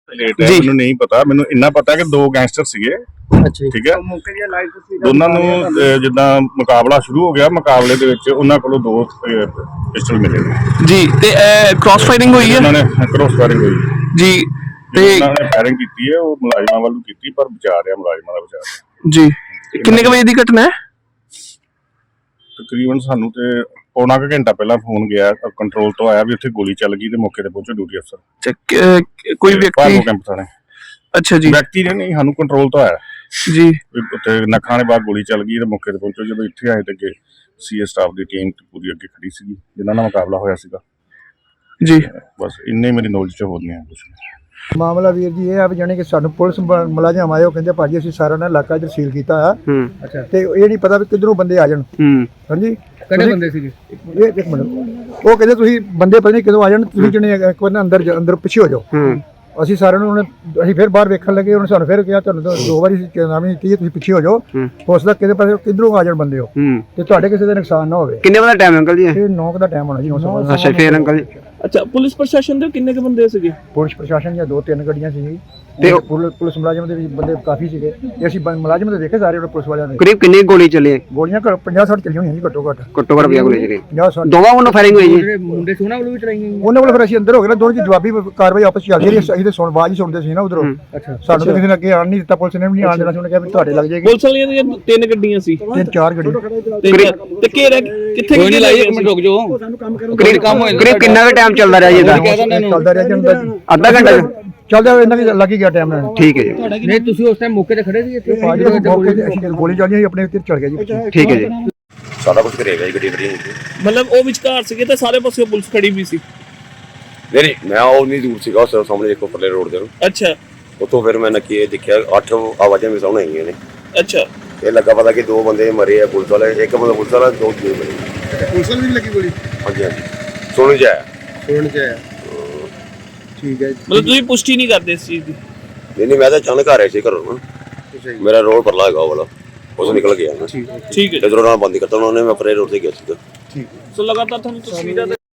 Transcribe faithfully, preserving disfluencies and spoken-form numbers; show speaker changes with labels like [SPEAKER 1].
[SPEAKER 1] Late ਹੈ ਮੈਨੂੰ ਨਹੀਂ ਪਤਾ। ਮੈਨੂੰ ਇੰਨਾ ਪਤਾ ਕਿ ਦੋ ਗੈਂਗਸਟਰ ਸੀਗੇ।
[SPEAKER 2] ਅੱਛਾ
[SPEAKER 1] ਠੀਕ ਹੈ, ਦੋਨਾਂ ਨੂੰ ਅਹ, ਜਿੱਦਾਂ ਮੁਕਾਬਲਾ ਸ਼ੁਰੂ ਹੋ ਗਿਆ, ਮੁਕਾਬਲੇ ਦੇ ਵਿੱਚ ਉਹਨਾਂ ਕੋਲੋਂ ਦੋ ਪਿਸਟਲ ਮਿਲੇ
[SPEAKER 3] ਜੀ। ਤੇ ਕ੍ਰਾਸ ਫਾਇਰਿੰਗ ਹੋਈ ਹੈ?
[SPEAKER 1] ਉਹਨਾਂ ਨੇ ਕ੍ਰਾਸ ਫਾਇਰਿੰਗ ਹੋਈ
[SPEAKER 3] ਜੀ। ਤੇ
[SPEAKER 1] ਉਹਨਾਂ ਨੇ ਫਾਇਰਿੰਗ ਕੀਤੀ ਹੈ, ਉਹ ਮੁਲਾਜ਼ਮਾਂ ਵੱਲੋਂ ਕੀਤੀ, ਪਰ ਬਚਾ ਰਿਹਾ ਮੁਲਾਜ਼ਮਾਂ ਦਾ ਬਚਾ।
[SPEAKER 3] ਜੀ। ਕਿੰਨੇ ਕੁ ਵਜੇ ਦੀ ਘਟਨਾ ਹੈ?
[SPEAKER 1] ਤਕਰੀਬਨ ਸਾਨੂੰ ਤੇ ਪੌਣਾ ਕੁ ਘੰਟਾ ਪਹਿਲਾਂ ਫੋਨ ਗਿਆ ਕੰਟਰੋਲ ਤੋਂ, ਆਇਆ ਵੀ ਉੱਥੇ ਗੋਲੀ ਚੱਲ ਗਈ ਤੇ ਮੌਕੇ ਤੇ ਪਹੁੰਚੇ ਡਿਊਟੀ ਅਫਸਰ
[SPEAKER 3] ਕੋਈ ਵਿਅਕਤੀ?
[SPEAKER 1] ਕੈਂਪ ਥਾਣੇ।
[SPEAKER 3] ਅੱਛਾ ਜੀ।
[SPEAKER 1] ਵਿਅਕਤੀ ਨੇ ਨਹੀਂ, ਸਾਨੂੰ ਕੰਟਰੋਲ ਤੋਂ ਆਇਆ
[SPEAKER 3] ਜੀ।
[SPEAKER 1] ਉੱਥੇ ਨੱਖਾਂ ਦੇ ਬਾਹਰ ਗੋਲੀ ਚੱਲ ਗਈ ਤੇ ਮੌਕੇ ਤੇ ਪਹੁੰਚੋ। ਜਦੋਂ ਇੱਥੇ ਆਏ ਤੇ ਅੱਗੇ ਸੀਏ ਸਟਾਫ ਦੀ ਟੀਮ ਪੂਰੀ ਅੱਗੇ ਖੜੀ ਸੀਗੀ ਜਿਨ੍ਹਾਂ ਨਾਲ ਮੁਕਾਬਲਾ ਹੋਇਆ ਸੀਗਾ
[SPEAKER 3] ਜੀ।
[SPEAKER 1] ਬਸ ਇੰਨੇ ਮੇਰੀ ਨੌਲੇਜ ਚ ਹੋਰ ਨਹੀਂ ਕੁਛ।
[SPEAKER 2] ਮਾਮਲਾ ਵੀਰ ਜੀ ਇਹ ਆ ਵੀ ਜਾਣੀ ਕਿ ਸਾਨੂੰ ਪੁਲਿਸ ਮੁਲਾਜ਼ਮ ਆਏ, ਉਹ ਕਹਿੰਦੇ ਭਾਜੀ ਅਸੀਂ ਸਾਰਾ ਨਾ ਇਲਾਕਾ ਇੱਧਰ ਸੀਲ ਕੀਤਾ ਆ। ਅੱਛਾ। ਤੇ ਇਹ ਨਹੀਂ ਪਤਾ ਵੀ ਕਿੱਧਰੋਂ ਬੰਦੇ ਆ ਜਾਣ। ਹਾਂਜੀ। ਕਿਹੜੇ ਬੰਦੇ ਸੀਗੇ? ਇਹ ਇੱਕ ਮਿੰਟ, ਉਹ ਕਹਿੰਦੇ ਤੁਸੀਂ ਬੰਦੇ ਪਤਾ ਨਹੀਂ ਕਿਦੋਂ ਆ ਜਾਣ, ਤੁਸੀਂ ਜਣੇ ਇੱਕ ਵਾਰ ਅੰਦਰ ਅੰਦਰ ਪਿੱਛੇ ਹੋ ਜਾਓ। ਅਸੀਂ ਸਾਰਿਆਂ ਨੂੰ ਉਹਨੇ ਅਸੀਂ ਫਿਰ ਬਾਹਰ ਵੇਖਣ ਲੱਗੇ, ਉਹਨੇ ਸਾਨੂੰ ਫਿਰ ਕਿਹਾ ਤੁਹਾਨੂੰ ਦੋ ਵਾਰੀ ਚੇਤਾਵਨੀ ਦਿੱਤੀ, ਤੁਸੀਂ ਪਿੱਛੇ ਹੋ ਜਾਓ, ਹੋ ਸਕਦਾ ਕਿਤੇ ਪਾਸੇ ਕਿੱਧਰੋਂ ਆ ਜਾਣ ਬੰਦੇ ਹੋ ਤੇ ਤੁਹਾਡੇ ਕਿਸੇ ਦਾ ਨੁਕਸਾਨ ਨਾ ਹੋਵੇ।
[SPEAKER 4] ਕਿੰਨੇ ਵਜੇ ਦਾ ਟਾਈਮ ਅੰਕਲ ਜੀ?
[SPEAKER 2] ਇਹ ਨੌ ਦਾ ਟਾਈਮ ਹੋਣਾ ਜੀ।
[SPEAKER 4] ਅੱਛਾ ਫੇਰ ਅੰਕਲ ਜੀ।
[SPEAKER 3] ਅੱਛਾ, ਪੁਲਿਸ ਪ੍ਰਸ਼ਾਸਨ ਦੇ ਕਿੰਨੇ ਕੁ ਬੰਦੇ ਸੀਗੇ?
[SPEAKER 2] ਪੁਲਿਸ ਪ੍ਰਸ਼ਾਸਨ ਦੀਆਂ ਦੋ ਤਿੰਨ ਗੱਡੀਆਂ ਸੀ ਤੇ ਪੁਲਿਸ ਮੁਲਾਜ਼ਮ ਦੇ ਵਿੱਚ ਬੰਦੇ ਕਾਫੀ ਸੀਗੇ ਤੇ ਅਸੀਂ ਮੁਲਾਜ਼ਮ ਦੇ ਦੇਖੇ ਸਾਰੇ ਪੁਲਿਸ ਵਾਲਿਆਂ ਦੇ।
[SPEAKER 4] ਕਰੀਬ ਕਿੰਨੀ ਗੋਲੀ ਚੱਲੀ?
[SPEAKER 2] ਗੋਲੀਆਂ ਪੰਜਾਹ ਸੱਠ ਚੱਲੀਆਂ ਹੋਈਆਂ ਜੀ ਘੱਟੋ ਘੱਟ।
[SPEAKER 4] ਘੱਟੋ ਘੱਟ ਪੰਜਾਹ ਗੋਲੀ ਚੱਲੀ।
[SPEAKER 2] ਪੰਜਾਹ ਸੱਠ
[SPEAKER 4] ਦੋਵਾਂ ਵੱਲੋਂ ਫਾਇਰਿੰਗ ਹੋਈ ਜੀ?
[SPEAKER 2] ਮੁੰਡੇ ਸੀ ਉਹਨਾਂ ਵੱਲੋਂ ਵੀ ਚਲਾਈਆਂ। ਉਹਨਾਂ ਵੱਲੋਂ ਫਿਰ ਅਸੀਂ ਅੰਦਰ ਹੋ ਗਏ ਨਾ, ਦੋਨੋਂ ਦੀ ਜਵਾਬੀ ਕਾਰਵਾਈ ਆਪਸ ਚ ਚੱਲਦੀ ਰਹੀ। ਅਸੀਂ ਤੇ ਸੁਣ ਬਾਜ ਹੀ ਸੁਣਦੇ ਸੀ ਨਾ ਉਧਰੋਂ। ਸਾਨੂੰ ਤਾਂ ਕਿਸੇ ਨੇ ਅੱਗੇ ਆਣ ਨਹੀਂ ਦਿੱਤਾ, ਪੁਲਿਸ ਨੇ ਵੀ ਨਹੀਂ ਆਣ ਦੇਣਾ ਸੀ। ਉਹਨੇ ਕਿਹਾ ਵੀ ਤੁਹਾਡੇ ਲੱਗ ਜਾਏਗੀ।
[SPEAKER 3] ਪੁਲਿਸ ਵਾਲੀਆਂ ਦੀਆਂ ਤਿੰਨ ਗੱਡੀਆਂ ਸੀ?
[SPEAKER 2] ਤਿੰਨ ਚਾਰ ਗੱਡੀ
[SPEAKER 3] ਤੇ ਘੇਰਾ ਕਿੱਥੇ ਕਿੱਥੇ ਲਾਈ? ਇੱਕ ਮਿੰਟ ਰੁਕ ਜਾਓ।
[SPEAKER 4] ਕਰੀਬ ਕਰੀਬ ਕਿੰਨਾ ਕੁ ਟਾਈਮ ਚੱਲਦਾ ਰਿਹਾ ਜੀ ਇਹਦਾ?
[SPEAKER 2] ਚੱਲਦਾ ਰਿਹਾ ਜੀ
[SPEAKER 4] ਅੱਧਾ ਘੰਟਾ
[SPEAKER 2] ਚੱਲਦਾ, ਇਹਨਾਂ ਵੀ ਲੱਗ ਹੀ ਗਿਆ ਟਾਈਮ ਨਾਲ।
[SPEAKER 4] ਠੀਕ ਹੈ ਜੀ।
[SPEAKER 5] ਨਹੀਂ ਤੁਸੀਂ ਉਸ ਟਾਈਮ ਮੌਕੇ ਤੇ ਖੜੇ ਸੀ ਇੱਥੇ?
[SPEAKER 2] ਗੋਲੀ ਚੱਲੀ ਆਪਣੇ ਉੱਤੇ ਚੜ ਗਿਆ ਜੀ।
[SPEAKER 4] ਠੀਕ ਹੈ ਜੀ।
[SPEAKER 6] ਸਾਰਾ ਕੁਝ ਕਰੇਗਾ ਜੀ, ਗੱਡੀ ਖੜੀ
[SPEAKER 3] ਮਤਲਬ ਉਹ ਵਿਚਕਾਰ ਸੀਗੇ ਤੇ ਸਾਰੇ ਪਾਸੇ ਪੁਲਿਸ ਖੜੀ ਵੀ ਸੀ?
[SPEAKER 6] ਨਹੀਂ ਮੈਂ ਉਹ ਨਹੀਂ ਦੂਰ ਸੀਗਾ, ਉਸ ਸਾਹਮਣੇ ਦੇਖੋ ਪਰਲੇ ਰੋਡ ਦੇ ਨੂੰ।
[SPEAKER 3] ਅੱਛਾ।
[SPEAKER 6] ਉੱਥੋਂ ਫਿਰ ਮੈਂ ਨੱਕੀ ਦੇਖਿਆ ਅੱਠ ਆਵਾਜ਼ਾਂ ਵੀ ਸਾਹਮਣੇ ਆਈਆਂ ਨੇ।
[SPEAKER 3] ਅੱਛਾ।
[SPEAKER 6] ਇਹ ਲੱਗਾ ਪਤਾ ਕਿ ਦੋ ਬੰਦੇ ਮਰੇ ਆ ਪੁਲਿਸ ਵਾਲੇ, ਇੱਕ ਬੰਦਾ ਪੁਲਿਸ ਵਾਲਾ, ਦੋ ਦੂਜੇ ਮਰੇ।
[SPEAKER 2] ਪੁਲਿਸ ਵਾਲੀ ਵੀ ਲੱਗੀ ਗੋਲੀ?
[SPEAKER 6] ਹਾਂਜੀ ਹਾਂਜੀ ਸੁਣ ਜਾਇਆ
[SPEAKER 2] ਸੁਣ ਜਾਇਆ। ਠੀਕ ਹੈ।
[SPEAKER 3] ਮਤਲਬ ਤੁਸੀਂ ਪੁਸ਼ਟੀ ਨਹੀਂ ਕਰਦੇ ਇਸ ਚੀਜ਼ ਦੀ?
[SPEAKER 6] ਨਹੀਂ ਨਹੀਂ ਮੈਂ ਤਾਂ ਅਚਾਨਕ ਆ ਰਿਹਾ ਸੀ ਘਰੋਂ ਨਾ, ਮੇਰਾ ਰੋਡ ਪਰਲਾ ਹੈਗਾ ਉਹ ਵਾਲਾ, ਉਸ ਨਿਕਲ ਗਿਆ ਨਾ।
[SPEAKER 3] ਠੀਕ ਹੈ।
[SPEAKER 6] ਜਦੋਂ ਉਹਨਾਂ ਬੰਦ ਕਰਤਾ ਉਹਨਾਂ ਨੇ, ਮੈਂ ਪਰੇ ਰੋਡ ਤੇ ਗਿਆ ਸੀਗਾ।
[SPEAKER 3] ਸੋ ਲਗਾਤਾਰ ਤੁਹਾਨੂੰ ਤਸਵੀਰਾਂ